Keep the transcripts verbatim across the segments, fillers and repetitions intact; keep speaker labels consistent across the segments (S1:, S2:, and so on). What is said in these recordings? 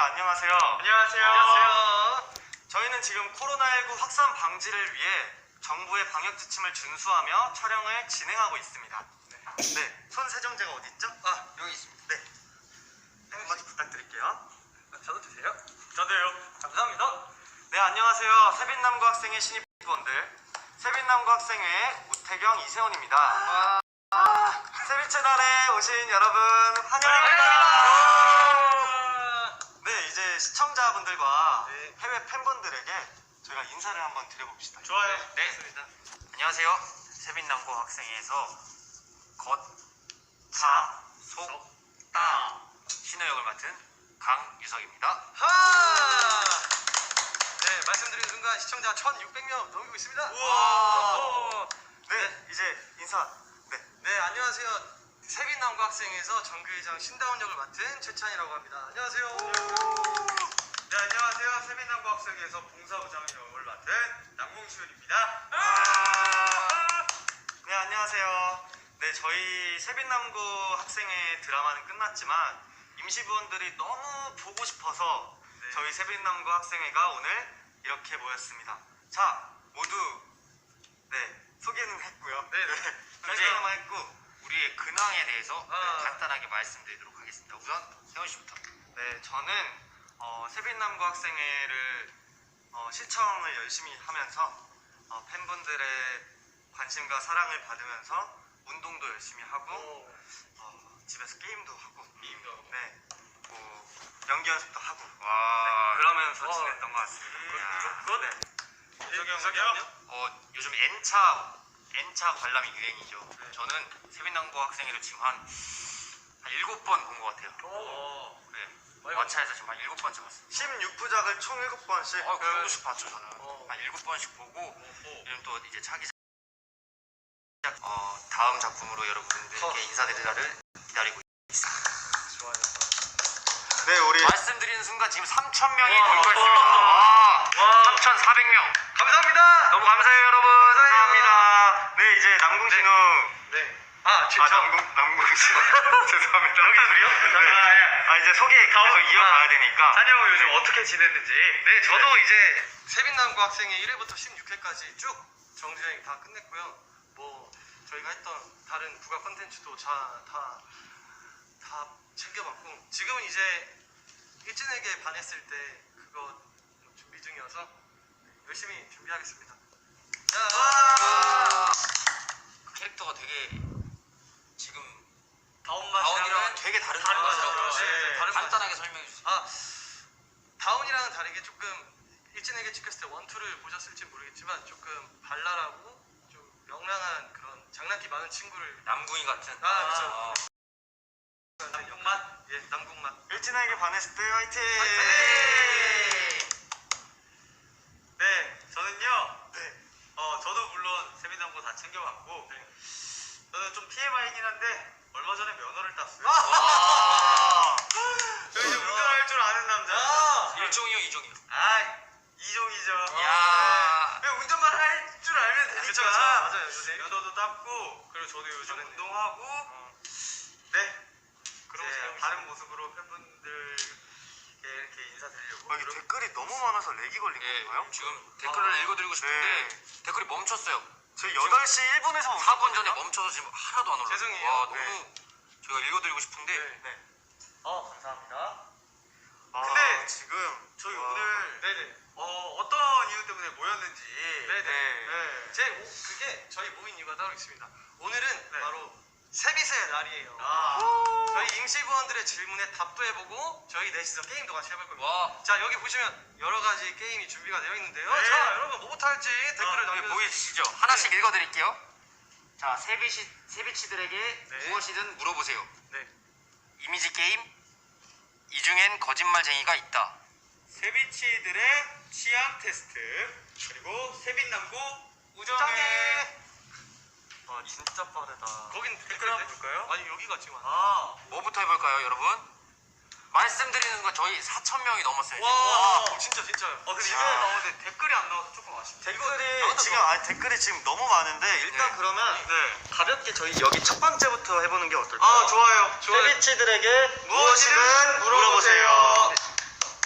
S1: 안녕하세요.
S2: 안녕하세요. 안녕하세요.
S1: 저희는 지금 코로나십구 확산 방지를 위해 정부의 방역 지침을 준수하며 촬영을 진행하고 있습니다. 네. 네. 손 세정제가 어디 있죠?
S2: 아, 여기 있습니다.
S1: 네. 네, 한마디 부탁드릴게요.
S2: 저도 주세요.
S1: 저도요.
S2: 감사합니다.
S1: 네, 안녕하세요. 세빛남고 학생회 신입부원들 세빛남고 학생회 우태경, 이세훈입니다.
S2: 아,
S1: 아, 세빛 채널에 오신 여러분 환영합니다. 네, 이제 시청자분들과
S2: 네.
S1: 해외 팬분들에게 저희가 인사를 한번 드려봅시다.
S2: 좋아요.
S1: 네.
S2: 좋습니다.
S1: 안녕하세요. 세빛남고 학생회에서 겉, 자, 속, 따 신호 역을 맡은 강유석입니다.
S2: 하! 네, 말씀드린 순간 시청자 천육백 명 넘기고 있습니다.
S1: 우와.
S2: 오.
S1: 네, 이제 인사. 네.
S2: 네, 안녕하세요. 세빛남고 학생에서 정규회장 신다운 역을 맡은 최찬이라고 합니다. 안녕하세요.
S3: 네, 안녕하세요. 세빛남고 학생회에서 봉사부장 역을 맡은 남궁시훈입니다.
S1: 네, 안녕하세요. 네, 저희 세빛남고 학생회 드라마는 끝났지만 임시부원들이 너무 보고 싶어서
S3: 네.
S1: 저희 세빛남고 학생회가 오늘 이렇게 모였습니다. 자, 모두 네, 소개는 했고요.
S3: 네, 네.
S1: 설명만 했고 우리의 근황에 대해서
S2: 아.
S1: 네, 간단하게 말씀드리도록 하겠습니다. 우선 세훈 씨부터. 네, 저는 어, 세빛남고 학생회를 어, 시청을 열심히 하면서 어, 팬분들의 관심과 사랑을 받으면서 운동도 열심히 하고
S2: 오.
S1: 어, 집에서 게임도 하고
S3: 게임도 하고.
S1: 네, 뭐 연기 연습도 하고
S3: 와.
S1: 네, 그러면서
S2: 어.
S1: 지냈던 것 같습니다.
S3: 음,
S1: 그, 네.
S3: 유석이 형,
S2: 유석이
S3: 형?
S2: 형요?
S1: 어, 요즘 N차 N차 관람이 유행이죠.
S3: 네.
S1: 저는 세빛남고 학생회를 지금 한, 한 일곱 번 본 것 같아요.
S2: 오.
S1: 네.
S2: 많이
S1: 마차에서 지금 한 일곱 번째 봤어요.
S3: 십육 부작을 총 일곱 번씩.
S1: 어, 그 정도씩 봤죠, 저는.
S2: 어.
S1: 한 일곱 번씩 보고,
S3: 오.
S1: 요즘 또 이제 차기 어, 다음 작품으로 여러분들께
S2: 어.
S1: 인사드리라를 기다리고 있습니다.
S2: 좋아요.
S1: 네, 우리 말씀드리는 순간 지금 삼천 명이
S2: 와.
S1: 돌고 있습니다. 와,
S2: 와.
S1: 삼천사백 명.
S2: 감사합니다.
S1: 너무 감사해요, 여러분.
S2: 감사해요.
S1: 감사합니다. 네, 이제 남궁신우.
S2: 네. 아, 제,
S1: 아,
S2: 저,
S1: 남궁, 남궁신우. 죄송합니다.
S2: 여기 둘이요?
S1: 네. 아, 이제 소개 계속 이어가야 되니까.
S3: 찬이 형 요즘 어떻게 지냈는지.
S2: 네, 저도 이제 세빛남고 학생회 일 회부터 십육 회까지 쭉 정주행 다 끝냈고요. 뭐 저희가 했던 다른 부가 콘텐츠도 다, 다, 다 챙겨봤고 지금은 이제 일진에게 반했을 때 그거 준비 중이어서 열심히 준비하겠습니다.
S1: 와. 그 캐릭터가 되게 지금 다운이랑 되게 다른
S2: 다른
S1: 것
S2: 거죠.
S1: 같아요.
S2: 네,
S1: 네,
S2: 다른
S1: 간단하게 설명해 주세요.
S2: 아, 다운이랑은 다르게 조금 일진에게 찍혔을 때 원투를 보셨을지 모르겠지만 조금 발랄하고 좀 명랑한 그런 장난기 많은 친구를
S1: 남궁이 같은.
S2: 아, 그쵸.
S1: 어.
S2: 남궁맛? 예, 남궁맛.
S1: 일진에게 반했을 때 화이팅!
S2: 화이팅!
S3: 네, 저는요. 네. 어, 저도 물론 세빛남고 다 챙겨봤고.
S2: 네.
S3: 저는 좀 티엠아이긴 한데 얼마 전에 면허를 땄어요.
S1: 와.
S3: 저 이제 운전할 줄 아는 남자.
S2: 아!
S1: 일종이요, 이종이요.
S3: 아, 이종이죠.
S1: 야.
S3: 그냥 운전만 할 줄 알면 되니까.
S2: 그쵸, 그쵸. 맞아요, 요새.
S3: 면허도 땄고, 그리고 저도 요즘
S2: 저는
S3: 운동하고,
S2: 어.
S3: 네.
S2: 그러고
S3: 이제
S2: 살고
S3: 다른 모습으로 팬분들께 이렇게 인사드리려고.
S1: 아, 이게 댓글이 너무 많아서 렉이 걸린
S2: 예,
S1: 건가요?
S2: 지금
S1: 댓글을
S2: 아,
S1: 읽어드리고 싶은데
S2: 네.
S1: 댓글이 멈췄어요. 저희
S2: 지금
S1: 여덟 시 일 분에서
S2: 사 분
S1: 전에 멈춰서 지금 하나도 안 올라요.
S2: 죄송해요.
S1: 와, 너무
S2: 네.
S1: 저희가 읽어드리고 싶은데
S2: 네.
S1: 네.
S3: 어, 감사합니다.
S1: 아,
S3: 근데
S1: 지금
S3: 저희
S1: 와.
S3: 오늘
S2: 네네.
S3: 어, 어떤 이유 때문에 모였는지.
S2: 네네.
S3: 네.
S2: 제 오, 그게 저희 모인 이유가 따로 있습니다. 오늘은
S3: 네.
S2: 바로 세빛의 날이에요.
S3: 아.
S2: 저희 임시부원들의 질문에 답도 해보고 저희 넷이서 게임도 같이 해볼 겁니다.
S1: 와.
S2: 자, 여기 보시면 여러 가지 게임이 준비가 되어 있는데요.
S3: 네.
S2: 자, 여러분 뭐부터 할지 댓글을
S1: 여기
S2: 남겨주세요.
S1: 보이시죠? 하나씩 읽어드릴게요. 자, 세비시, 세비치들에게
S2: 네.
S1: 무엇이든 물어보세요.
S2: 네.
S1: 이미지 게임, 이 중엔 거짓말쟁이가 있다.
S3: 세빛이들의 취향 테스트. 그리고 세빛남고 우정의.
S2: 우정의.
S1: 와, 진짜 빠르다.
S2: 거긴
S3: 댓글 한번 볼까요?
S2: 아니, 여기가 지금.
S3: 아.
S1: 뭐부터 해볼까요, 여러분? 말씀드리는 건 저희 사천 명이 넘었어요.
S2: 와,
S1: 와.
S2: 진짜, 진짜요.
S3: 어, 근데
S1: 야.
S3: 이거 나오는데 댓글이 안 나와서 조금 아쉽다.
S1: 댓글이 지금 아 댓글이 지금 너무 많은데 일단
S2: 네.
S1: 그러면
S3: 네.
S1: 가볍게 저희 여기 첫 번째부터 해보는 게 어떨까요?
S3: 아, 좋아요. 좋아요.
S1: 세비치들에게
S3: 무엇이든 물어보세요.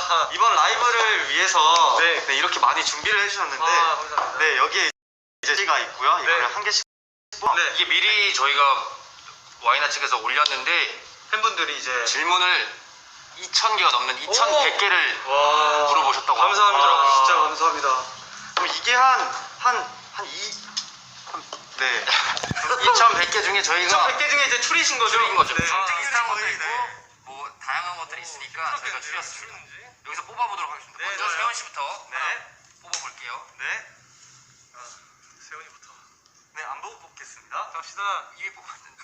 S2: 아,
S1: 이번 라이브를 위해서
S2: 네.
S1: 네, 이렇게 많이 준비를 해주셨는데
S2: 아, 감사합니다.
S1: 네, 여기에 이제 C가 있고요. 이거를
S2: 네.
S1: 한 개씩.
S2: 네.
S3: 이게 미리 저희가 와이나 측에서 올렸는데 팬분들이 이제 질문을 이천 개가 넘는 이천백 개를
S2: 와.
S3: 물어보셨다고
S2: 감사합니다.
S3: 하더라고요.
S2: 진짜 감사합니다.
S1: 그럼 이게 한, 한, 한 이, 한, 네. 이천백 개 중에 저희가
S2: 이천백 개 중에 이제 추리신 거죠?
S3: 줄인 거죠.
S2: 네.
S3: 아,
S1: 비슷한 것도 있고,
S3: 뭐 다양한 것들이 있으니까 저희가 줄였습니다. 여기서 뽑아보도록 하겠습니다.
S2: 네,
S3: 먼저
S2: 좋아요.
S3: 세원 씨부터
S1: 네.
S3: 하나 뽑아볼게요.
S1: 네.
S2: 아, 세훈이부터.
S1: 네, 안 보고 뽑겠습니다.
S2: 갑시다.
S3: 이위 뽑았는데.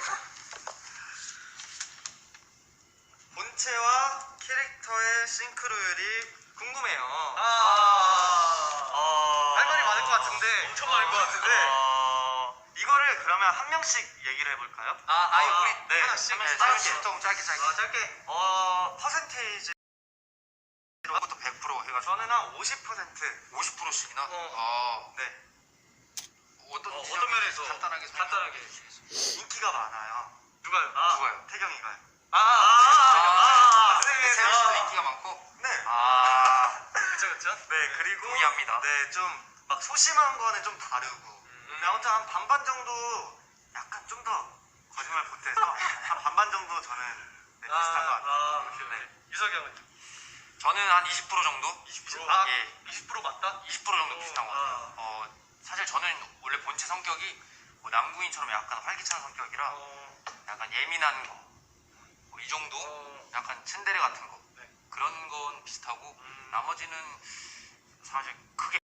S1: 본체와 캐릭터의 싱크로율이 궁금해요.
S2: 아.
S1: 어...
S2: 할 말이 많을 것 같은데. 엄청 많을 것 같은데.
S1: 어... 이거를 그러면 한 명씩 얘기를 해볼까요?
S2: 아, 아니, 우리
S1: 네.
S2: 하나씩?
S1: 네,
S2: 네,
S1: 짧게.
S2: 짧게.
S3: 좀 짧게 짧게.
S2: 아, 짧게.
S1: 어, 퍼센테이지.
S3: 부터 백 퍼센트 해가지고
S1: 저는 한 오십 퍼센트.
S3: 오십 퍼센트씩이나.
S2: 어.
S3: 아,
S1: 네.
S3: 어떤
S2: 어,
S3: 지점이
S2: 어떤 면에서
S3: 간단하게
S2: 간단하게.
S3: 설명해
S1: 인기가 많아요.
S2: 누가요?
S1: 아,
S3: 누가요?
S1: 태경이가요.
S2: 아, 아, 아, 아,
S1: 네,
S3: 세원 씨도
S1: 네.
S3: 인기가 많고.
S1: 네.
S3: 아,
S2: 그쵸, 그쵸?
S1: 네, 그리고.
S3: 동의합니다.
S1: 네, 좀 막 소심한 거는 좀 다르고.
S2: 음.
S1: 네, 아무튼 한 반반 정도 약간 좀 더 거짓말 보태서 한 반반 정도 저는 네, 비슷한 것 같아요.
S2: 아, 오케이,
S1: 네.
S2: 오케이. 유석이 형은?
S3: 저는 한 이십 퍼센트 정도?
S2: 이십 퍼센트? 아,
S3: 예.
S2: 이십 퍼센트 맞다?
S3: 이십 퍼센트 정도 비슷한 것 같아요.
S2: 아.
S3: 어, 사실 저는 원래 본체 성격이 뭐 남궁인처럼 약간 활기찬 성격이라
S2: 어,
S3: 약간 예민한 거, 뭐 이 정도?
S2: 어,
S3: 약간 츤데레 같은 거.
S2: 네.
S3: 그런 건 비슷하고
S2: 음.
S3: 나머지는 사실 크게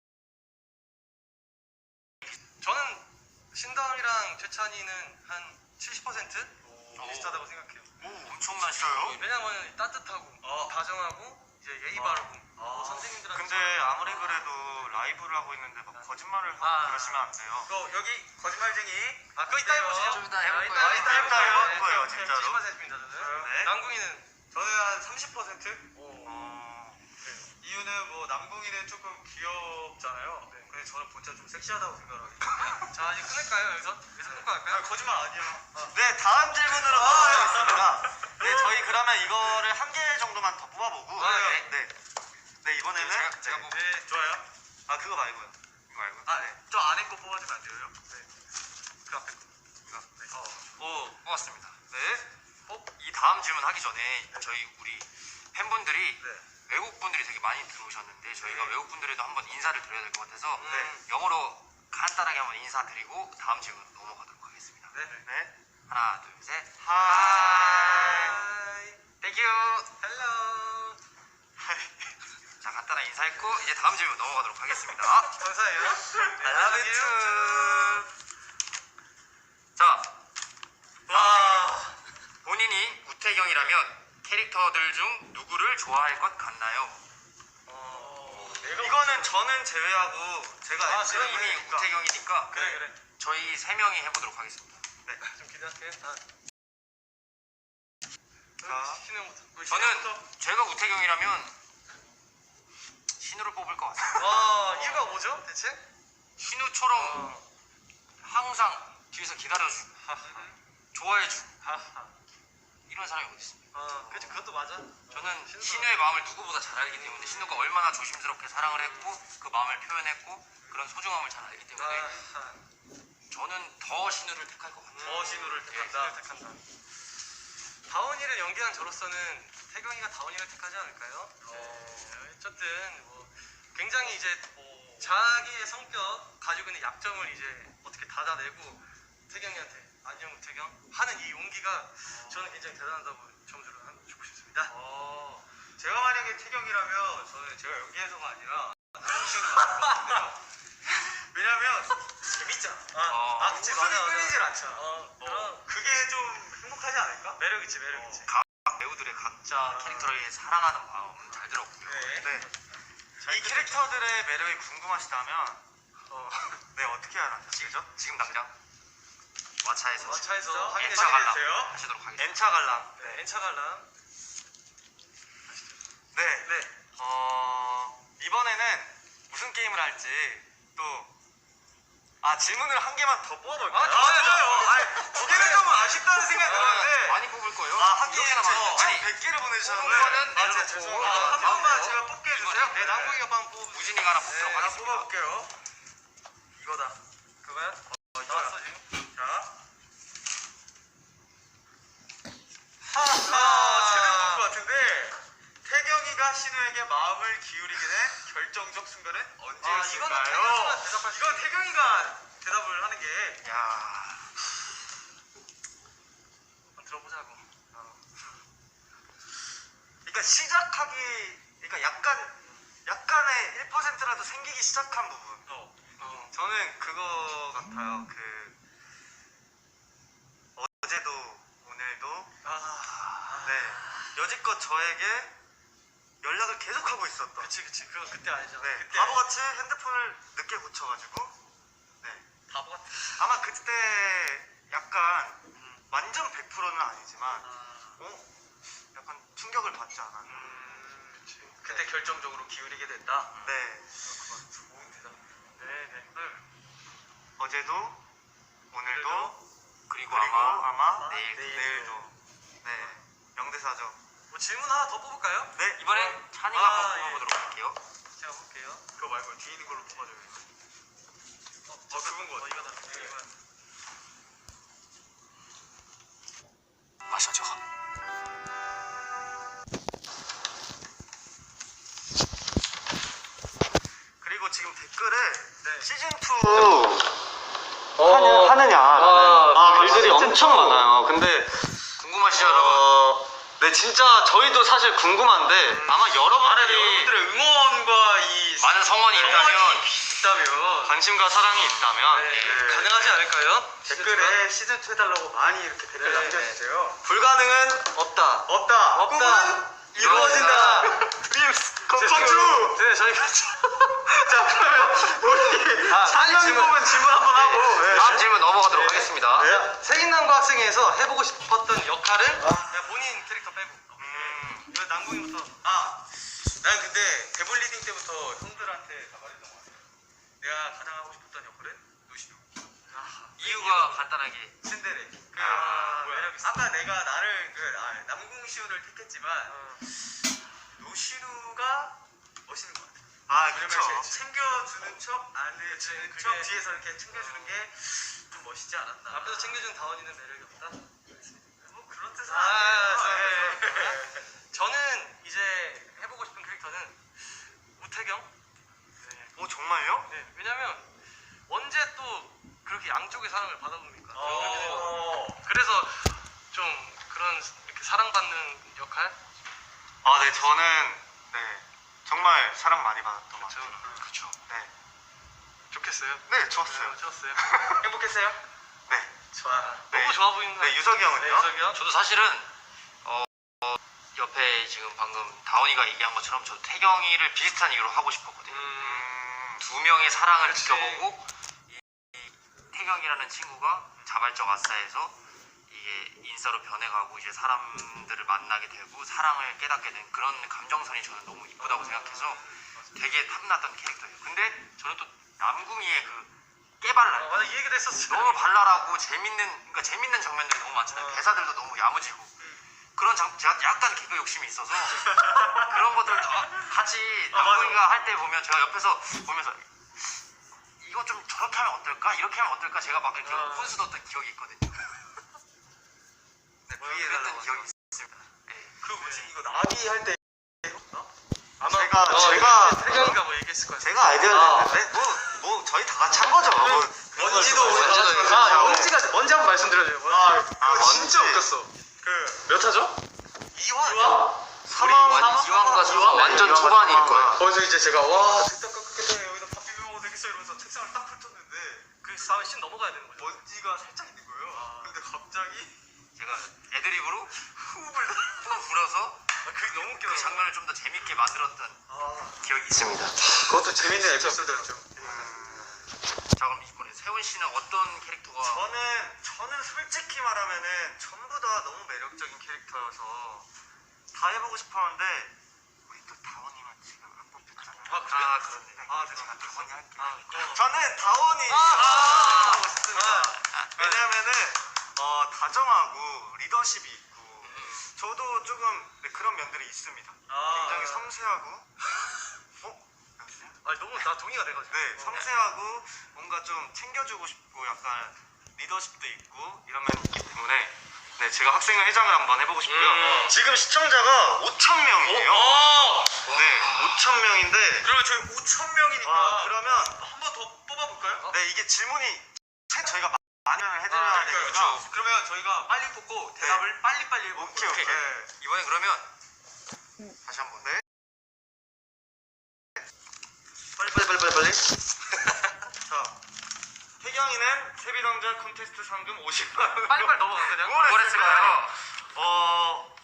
S2: 저는 신다운이랑 최찬이는 한 칠십 퍼센트
S3: 오.
S2: 비슷하다고 생각해요.
S3: 오, 엄청난 시도요.
S2: 왜냐면 따뜻하고
S3: 어.
S2: 다정하고 이제 예의
S1: 어.
S2: 바르고
S1: 어.
S2: 뭐 선생님들한테
S1: 근데
S2: 잘하고.
S1: 아무리 그래도 라이브를 하고 있는데 막 거짓말을 하고
S2: 아.
S1: 그러시면 안 돼요.
S2: 그거 여기 거짓말쟁이. 아, 그거 이따 해보시죠.
S3: 좀 이따 해볼
S2: 아,
S3: 거예요.
S2: 이따, 이따
S1: 이따
S2: 해볼
S1: 해볼 거예요,
S2: 네,
S1: 진짜로.
S2: 칠십 퍼센트입니다, 저는.
S1: 네.
S2: 남궁이는
S4: 저는 한 삼십 퍼센트?
S1: 어...
S4: 이유는 뭐 남궁이는 조금 귀엽잖아요.
S2: 네.
S4: 근데 저는 본체 좀 섹시하다고 생각하기 때문에.
S2: 자, 이제 끝낼까요, 여기서? 여기서 끊고 갈까요?
S4: 아, 거짓말 아니에요.
S1: 네, 다음 질문으로 넘어가겠습니다. 네, 저희 그러면 이거를 한 개 정도만 더 뽑아보고.
S2: 아,
S1: 네. 네. 네, 이번에는.
S3: 제가, 제가
S1: 네.
S3: 뭐
S4: 네, 좋아요.
S1: 아, 그거 말고요.
S3: 이거 알고
S4: 아, 네. 저 안에 거 뽑아주면 안 돼요? 네.
S2: 그 앞에 거.
S3: 이거
S4: 네. 어.
S3: 오 뽑았습니다.
S1: 네.
S3: 어, 이 다음 질문 하기 전에 저희 우리 팬분들이
S4: 네.
S3: 외국 분들이 되게 많이 들어오셨는데 저희가 외국 분들에도 한번 인사를 드려야 될 것 같아서
S1: 네.
S3: 영어로 간단하게 한번 인사드리고 다음 질문 넘어가도록 하겠습니다.
S1: 네. 네.
S3: 하나, 둘, 셋.
S1: 하이.
S2: 하이.
S3: Thank you.
S2: 헬로.
S3: 자, 간단하게 인사했고 이제 다음 질문 넘어가도록 하겠습니다.
S2: 감사해요.
S1: I love you too.
S3: 자,
S2: 와.
S3: 본인이 우태경이라면 캐릭터들 중 누구를 좋아할 것 같나요?
S2: 어.
S1: 이거는 저는 제외하고 제가
S2: 아,
S1: X를
S3: 이미
S1: 해보니까.
S3: 우태경이니까
S2: 그래, 그래.
S3: 저희 세 명이 해보도록 하겠습니다.
S2: 네, 좀 기대할게. 아.
S1: 자.
S2: 신우부터. 우리
S3: 저는
S2: 신우부터.
S3: 제가 우태경이라면 신우를 뽑을 것 같아요.
S2: 와, 이유가 뭐죠, 대체?
S3: 신우처럼
S2: 어.
S3: 항상 뒤에서 기다려주고 좋아해주고
S2: 하하.
S3: 이런 사람이 어디 있습니까?
S2: 어, 그치, 그것도 맞아.
S3: 저는
S2: 신우가-
S3: 신우의 마음을 누구보다 잘 알기 때문에 신우가 얼마나 조심스럽게 사랑을 했고 그 마음을 표현했고 그런 소중함을 잘 알기 때문에
S2: 아하.
S3: 저는 더 신우를 택할 것 같아요.
S2: 더 신우를 택한다.
S3: 예.
S2: 택한다. 다원이를 연기한 저로서는 태경이가 다원이를 택하지 않을까요? 네. 어쨌든 뭐 굉장히 이제 자기의 성격 가지고 있는 약점을 이제 어떻게 닫아내고 태경이한테 안녕 우태경 하는 이 용기가 저는 굉장히 대단하다고 점수를 한 주고 싶습니다.
S4: 어, 제가 만약에 태경이라면 저는 제가 여기에서가 아니라 남궁씨로 나올 것 같은데요. 왜냐면 재밌잖아.
S3: 어.
S2: 아, 그치,
S4: 웃음이
S2: 맞아, 맞아.
S4: 끊이질 않잖아.
S2: 어,
S4: 어,
S2: 그럼
S4: 그게 좀 행복하지 않을까?
S2: 매력 있지, 매력 있지.
S3: 각 배우들의 각자 캐릭터를 사랑하는 마음 잘 들었고요.
S4: 네.
S1: 네. 이 캐릭터들의 매력이 궁금하시다면
S2: 어.
S1: 네, 어떻게 알았죠?
S3: 지금 당장 와차에서
S2: 어, 차에서
S4: 진짜?
S2: 확인해
S3: 엔차 관람
S4: 주세요.
S3: 하시도록 하겠습니다.
S1: N차 관람.
S2: 네, 엔차 관람.
S1: 네.
S2: 네.
S1: 어, 이번에는 무슨 게임을 할지 또, 아, 질문을 한 개만 더 뽑아볼까요?
S2: 아, 좋아요, 좋아요.
S4: 아니, 두 개는 좀 아쉽다는 생각이
S3: 네,
S4: 드는데.
S3: 많이 뽑을 뽑을 거예요?
S1: 아, 하긴
S3: 이렇게나
S1: 저
S3: 많은데. 아니,
S1: 백 개를
S3: 뽑은
S1: 보내주셨는데.
S3: 거는
S1: 아, 제가
S3: 내려놓고.
S1: 죄송합니다.
S3: 아,
S4: 한
S3: 다음
S4: 번만
S3: 거.
S4: 제가 뽑게 해주세요.
S3: 이거는
S4: 네, 남궁이가 한번 뽑아볼게요.
S3: 우진이가 하나 뽑도록
S1: 네, 한번
S3: 하겠습니다.
S1: 뽑아볼게요. 이거다.
S4: 그거야? 어, 나왔어 지금.
S1: 자.
S4: 하하.
S1: 아, 제대로 본것 같은데 태경이가 신우에게 마음을 기울이게 된 결정적 순간은
S4: 아,
S1: 언제였을까요?
S4: 이거는 태경이가 대답할 수
S1: 이건 태경이가 대답을 하는 게.
S3: 야.
S4: 한번 들어보자고.
S1: 그러니까 시작하기, 그러니까 약간 약간의 일 퍼센트라도 생기기 시작한 부분.
S4: 어.
S1: 어, 저는 그거 같아요. 그 어제도 오늘도
S4: 아.
S1: 네 여지껏 저에게 연락을 계속 하고 있었던.
S4: 그치 그치 그거 그때 알죠.
S1: 네
S4: 그때
S1: 바보같이 핸드폰을 늦게 고쳐가지고 네
S4: 바보 같아.
S1: 아마 그때 약간
S4: 음.
S1: 완전 백 퍼센트는 아니지만
S4: 아.
S1: 어 약간 충격을 받지 않았나.
S4: 음. 그치. 그때 결정적으로 기울이게 됐다.
S1: 네
S4: 그건 좋은 대답. 네네. 응.
S1: 어제도 오늘도
S3: 그리고
S1: 그리고
S3: 아마
S1: 아마
S3: 내일,
S1: 내일도 네 명대사죠.
S4: 뭐 질문 하나 더 뽑을까요?
S1: 네
S3: 이번엔 찬이가
S4: 아,
S3: 한번
S4: 예.
S3: 뽑아보도록 할게요.
S4: 제가 볼게요.
S1: 그거 말고 뒤에 있는 걸로 뽑아줘요.
S4: 어, 어 그건 거. 어, 이거다. 이거.
S3: 마셔줘.
S1: 그리고 지금 댓글에
S4: 네.
S1: 시즌 투 하느, 하느냐
S3: 아,
S1: 아,
S3: 글들이
S1: 시즌
S3: 엄청
S1: 투.
S3: 많아요. 근데 궁금하시죠, 여러분?
S1: 어, 네 진짜 저희도 사실 궁금한데 아마 여러분들이
S4: 여러분들의 응원과 이
S3: 많은 성원이 있다면
S4: 있다면
S1: 관심과 사랑이 있다면
S4: 네,
S1: 네.
S4: 가능하지 않을까요?
S1: 댓글에 시즌 투 해달라고 많이 이렇게 댓글
S4: 네,
S1: 남겨주세요. 불가능은
S4: 없다.
S1: 없다.
S4: 없다.
S1: 꿈은 이루어진다. 드림스 컴컴
S4: 네, 저희가
S1: 자 그러면 우리
S4: 아,
S1: 찬이
S4: 질문.
S1: 질문 질문 한번 하고 네.
S3: 다음 질문 넘어가도록
S1: 네.
S3: 하겠습니다.
S1: 네.
S4: 세인남과 학생에서 해보고 싶었던 역할은?
S1: 아.
S4: 그냥 본인 캐릭터 빼고.
S1: 음,
S4: 이거 남궁이부터.
S1: 아, 난 근데 대본 리딩 때부터 형들한테 다 말했던 것 같아요. 내가 가장 하고 싶었던 역할은 노시노.
S3: 이유가 간단하게
S1: 신데레. 그
S4: 아,
S1: 뭐야?
S4: 매력 있어.
S1: 아까 내가 나를 그 아, 남궁시우를 택했지만
S4: 어.
S1: 노시누가 멋있는 것 같아. 아,
S4: 그쵸.
S1: 그렇죠. 챙겨주는 척, 안 해주는
S4: 그게-
S1: 척, 뒤에서 이렇게 챙겨주는 게 좀 멋있지 않았나.
S4: 앞에서 챙겨준 다원이는 매력이 없다?
S1: 뭐 그런 뜻은
S4: 아,
S1: 아니에요.
S4: 네.
S1: 네.
S4: 저는 이제 해보고 싶은 캐릭터는 우태경? 네.
S1: 오, 정말요?
S4: 네, 왜냐면 언제 또 그렇게 양쪽의 사랑을 받아봅니까?
S1: 어.
S4: 그래서 좀 그런 이렇게 사랑받는 역할?
S1: 아, 네, 저는 네 정말 사랑 많이 받았던 것 같아요.
S4: 그렇죠.
S1: 네,
S4: 좋겠어요.
S1: 네, 좋았어요.
S4: 네, 좋았어요.
S1: 행복했어요? 네,
S4: 좋아.
S1: 네.
S4: 너무 좋아 보이는
S1: 네, 유석이 형은요?
S4: 네, 유석이 형?
S3: 저도 사실은 어, 어, 옆에 지금 방금 다원이가 얘기한 것처럼 저도 태경이를 비슷한 이유로 하고 싶었거든요.
S1: 음,
S3: 두 명의 사랑을
S4: 그치.
S3: 지켜보고 이, 이 태경이라는 친구가 자발적 아싸에서 이게 인싸로 변해가고 이제 사람들을 만나게 되고 사랑을 깨닫게 된 그런 감정선이 저는 너무 이쁘다고 생각해서 되게 탐났던 캐릭터예요. 근데 저는 또 남궁이의 그 깨발랄
S4: 어, 맞아, 이 얘기도 했었어.
S3: 너무 발랄하고 재밌는 그러니까 재밌는 장면들이 너무 많잖아요.
S4: 어.
S3: 대사들도 너무 야무지고 그런 장 제가 약간 개그 욕심이 있어서 그런 것들도 같이
S4: 아, 맞아.
S3: 남궁이가 할 때 보면 제가 옆에서 보면서 이거 좀 저렇게 하면 어떨까 이렇게 하면 어떨까 제가 막 이렇게
S4: 어.
S3: 훈수 뒀던 기억이 있거든요. 네,
S1: 뭐야,
S3: 그랬던
S1: 그랬던
S3: 기억이 있습니다. 네.
S1: 그 뭐지 이거 나비 할 때
S4: 아마
S1: 제가
S4: 어,
S1: 제가
S4: 태경이가 뭐 얘기했을 거야.
S1: 제가 아이디어를
S3: 아.
S1: 냈는데 뭐, 뭐 저희 다 같이 한 거죠. 뭐,
S3: 먼지도
S1: 그런 걸
S3: 먼지도
S1: 다 같이
S3: 있고.
S1: 한
S4: 아,
S1: 거죠.
S4: 먼지가 먼지 한번 말씀드려줘요. 먼지.
S1: 아, 아,
S4: 그거 진짜
S1: 먼지.
S4: 웃겼어.
S1: 그
S4: 몇 화죠?
S1: 이화
S4: 이화?
S1: 사망
S3: 우리 완- 이화가
S1: 사망?
S3: 완전
S1: 이화가
S3: 초반일
S1: 사망.
S3: 거예요.
S4: 거기서 이제 제가 와
S1: 됐다 깎겠다 여기다 밥 비벼 먹어도 되겠어 이러면서 책상을 딱 펼쳤는데
S4: 그 다음에 씬 넘어가야 되는 거죠.
S1: 먼지가 살짝 있는 거예요. 근데 갑자기
S3: 제가 애드립으로 호흡을 훅 불어서
S1: 그 너무 웃겨.
S3: 그 장면을 좀 더 재밌게 만들었던
S1: 아,
S3: 기억이 있습니다.
S1: 그것도 재밌는 에피소드였죠.
S3: 자 그럼 이번에 세훈 씨는 어떤 캐릭터가
S1: 저는 저는 솔직히 말하면은 전부 다 너무 매력적인 캐릭터여서 다 해보고 싶었는데 우리 또 다원이만 지금 안 뽑혔잖아요.
S3: 아, 그래요? 아, 그렇네.
S1: 아,
S3: 네,
S1: 제가 다원이 할게요.
S4: 아, 그럼.
S1: 저는 다원이
S3: 아, 아,
S1: 하고 싶습니다. 왜냐면은 어, 다정하고 리더십이 있고 저도 조금 네, 그런 면들이 있습니다.
S4: 아,
S1: 굉장히 섬세하고, 어? 여보세요?
S2: 아 너무 나 동의가 돼가지고.
S1: 네, 섬세하고 뭔가 좀 챙겨주고 싶고 약간 리더십도 있고 이런 면이 있기 때문에 네, 제가 학생회 회장을 한번 해보고 싶고요.
S2: 음.
S1: 지금 시청자가 오천 명이에요.
S2: 어?
S1: 네, 오천 명인데
S4: 그러면 저희 오천 명이니까
S1: 아, 그러면
S4: 한 번 더 뽑아볼까요?
S1: 네, 이게 질문이 체- 저희가 많이 해드려야
S4: 아,
S1: 되니까
S4: 그렇죠. 그러면 저희가 빨리 뽑고 대답을 빨리빨리 해볼게요.
S1: 오케이, 오케이.
S4: 네.
S3: 이번에 그러면 다시 한번.
S1: 네. 빨리 빨리 빨리 빨리 빨리. 자, 태경이는 세비당자 콘테스트 상금 오십만 원.
S2: 빨리빨리 넘어가 그냥.
S1: 뭘
S3: 했을까요?
S1: 어,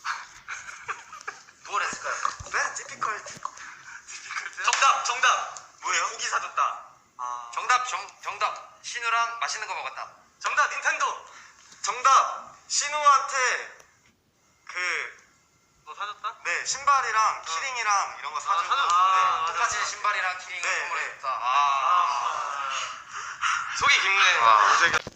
S3: 뭘 했을까요?
S1: 네, 티피컬.
S4: 정답, 정답.
S1: 뭐예요?
S4: 고기 사줬다.
S1: 아,
S3: 정답 정, 정답 신우랑 맛있는 거 먹었다.
S4: 정답, 닌텐도.
S1: 정답. 신우한테 그
S2: 너 사줬다?
S1: 네, 신발이랑 키링이랑 이런 거 사주고.
S2: 사줬-
S1: 네.
S2: 아,
S3: 똑같이
S2: 맞아.
S3: 신발이랑 키링을
S1: 네,
S3: 선물했다.
S1: 네.
S3: 아.
S2: 속이 깊네.
S3: 아.
S1: 제가